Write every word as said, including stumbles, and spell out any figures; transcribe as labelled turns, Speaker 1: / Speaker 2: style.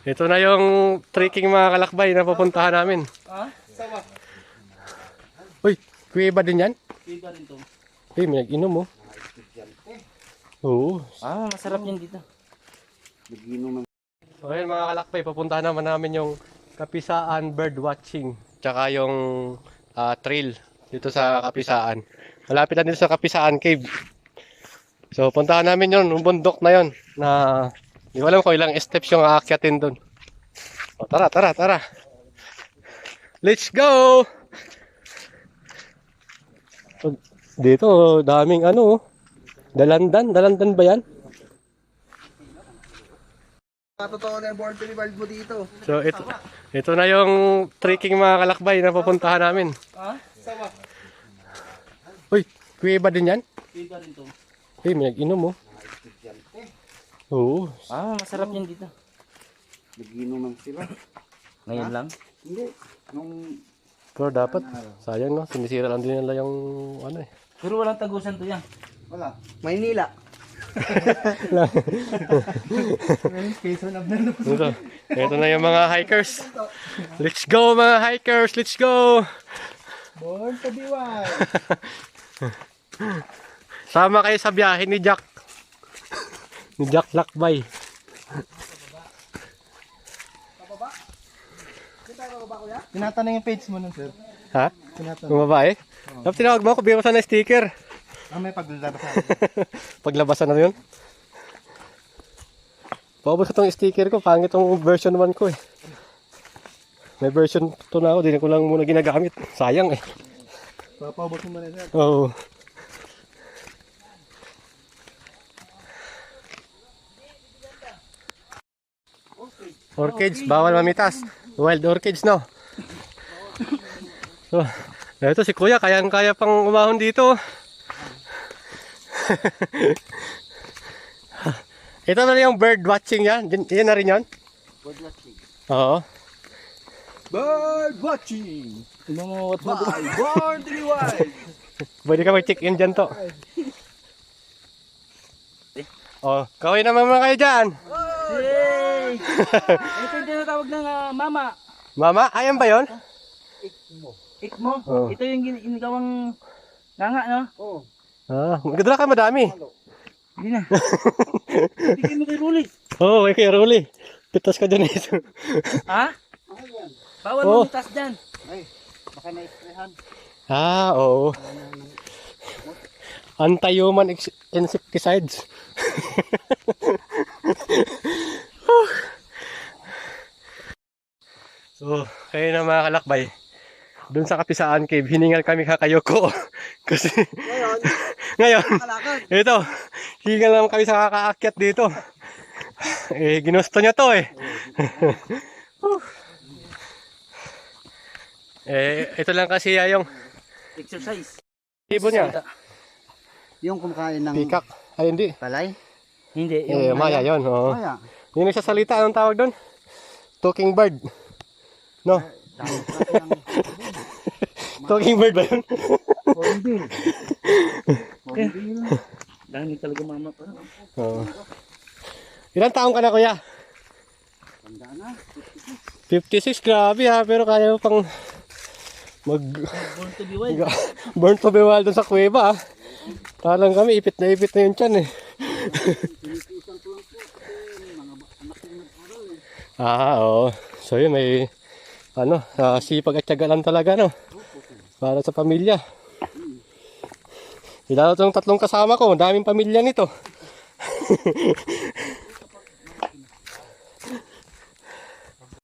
Speaker 1: Ito na yung trekking mga kalakbay na pupuntahan namin.
Speaker 2: Ha? Sama.
Speaker 1: Uy, kuweba din yan?
Speaker 2: Iba rin to.
Speaker 1: Uy, may nag-inom oh. Oo.
Speaker 2: Ah, masarap yan dito.
Speaker 1: So ayun mga kalakbay, pupuntahan naman namin yung Kapisaan Bird Watching. Tsaka yung uh, trail dito sa Kapisaan. Malapit lang dito sa Kapisaan Cave. So puntahan namin yun, yung bundok na yun. Na hindi ko alam kung ilang steps yung aakyatin dun. O tara, tara, tara. Let's go! So, dito, daming ano, dalandan. Dalandan ba yan?
Speaker 3: Totoo na yung born to be wild mo dito.
Speaker 1: So ito, ito na yung trekking mga kalakbay na pupuntahan namin.
Speaker 2: Ha? Sama.
Speaker 1: Uy, kuweba din yan?
Speaker 2: Iba rin to.
Speaker 1: Uy, may nag-inom oh. Oo.
Speaker 2: Ah, masarap yan dito.
Speaker 3: Nagiinuman sila.
Speaker 2: Ngayon lang?
Speaker 3: Hindi. Nung
Speaker 1: Pero dapat, sayang no, sinisira lang din nila yung ano eh.
Speaker 2: Pero walang tagusan to yan.
Speaker 3: wala. Maynila.
Speaker 1: Ito, ito na yung mga hikers. Let's go mga hikers, let's go!
Speaker 3: Born to be wild.
Speaker 1: Sama kayo sa biyahe ni Jack. Ni Jack Lakbay.
Speaker 3: Tinatanong yung page mo nun, sir.
Speaker 1: Ha?
Speaker 3: Tinatanong.
Speaker 1: Yung babae? Dapat tinawag mo ako, bigyan ko sana ng sticker.
Speaker 3: Ah, may paglalabas sa
Speaker 1: Paglabasan na yun. Paubos ko tong sticker ko, pangit tong version one ko eh. May version two na ako, di ko lang muna ginagamit. Sayang eh.
Speaker 3: Papaubos mo na, sir.
Speaker 1: Oo. Orchids, bawal mamitas. Wild orchids, no? So, ito si Kuya, kayang-kaya pang umahon dito. Ito na yung bird watching yan. Yan na rin yan?
Speaker 3: Bird watching.
Speaker 1: Oo.
Speaker 3: Bird watching.
Speaker 2: Tignan mo what mo.
Speaker 3: Born to be wild.
Speaker 1: Pwede ka mag-check in dyan to. Oh, kaway naman mga kayo dyan.
Speaker 2: Yay! Ito yung tinatawag ng ah, mama.
Speaker 1: Mama, ayan ba yun?
Speaker 2: Ikmo.
Speaker 1: Oh.
Speaker 2: Ito yung gin- ginagawang nganga, no?
Speaker 3: Oo.
Speaker 1: Ah, magdala ka madami.
Speaker 2: Hindi na. Bigyan mo kay Ruli.
Speaker 1: Oo, oh, may kaya Rolly. Pitas ka dyan ito.
Speaker 2: Ha? Bawal
Speaker 1: Oh.
Speaker 2: mo mitas dyan.
Speaker 3: Ay, baka na-sprayhan.
Speaker 1: Ah, oo. Anti-human ex- insecticides. So, kayo na mga kalakbay. Doon sa Kapisaan Cave, hiningal kami kakayoko. Kasi,
Speaker 3: Ngayon,
Speaker 1: ngayon,
Speaker 3: kalakad.
Speaker 1: ito, hiningal naman kami sa kakaakyat dito. Eh, ginusto niya to eh. Eh, ito lang kasi ah, yung
Speaker 2: Exercise.
Speaker 1: ibon niya.
Speaker 3: Yung kumakain ng
Speaker 1: Pikak. Ay, hindi.
Speaker 3: palay.
Speaker 2: Hindi.
Speaker 1: Eh,
Speaker 2: Yung,
Speaker 1: maya yun. Oo.
Speaker 3: Kaya.
Speaker 1: Yung nagsasalita, anong tawag doon? Talking bird. No?
Speaker 3: Dahil sa ng
Speaker 1: Talking bird ba yun?
Speaker 3: hornbill. Hornbill.
Speaker 2: dahil talaga mama pa.
Speaker 1: Oo. Ilang taong ka na, kuya?
Speaker 3: Tanda na.
Speaker 1: fifty-six, grabe ha. Pero kaya mo pang mag...
Speaker 2: Born to be wild.
Speaker 1: burn to be wild doon sa kuweba ha. Parang kami, ipit na ipit na yung tiyan eh. Ah, oo. So yun, may ano, uh, sipag at tiyaga lang talaga, no? Para sa pamilya. Ilalo itong tatlong kasama ko, daming pamilya nito.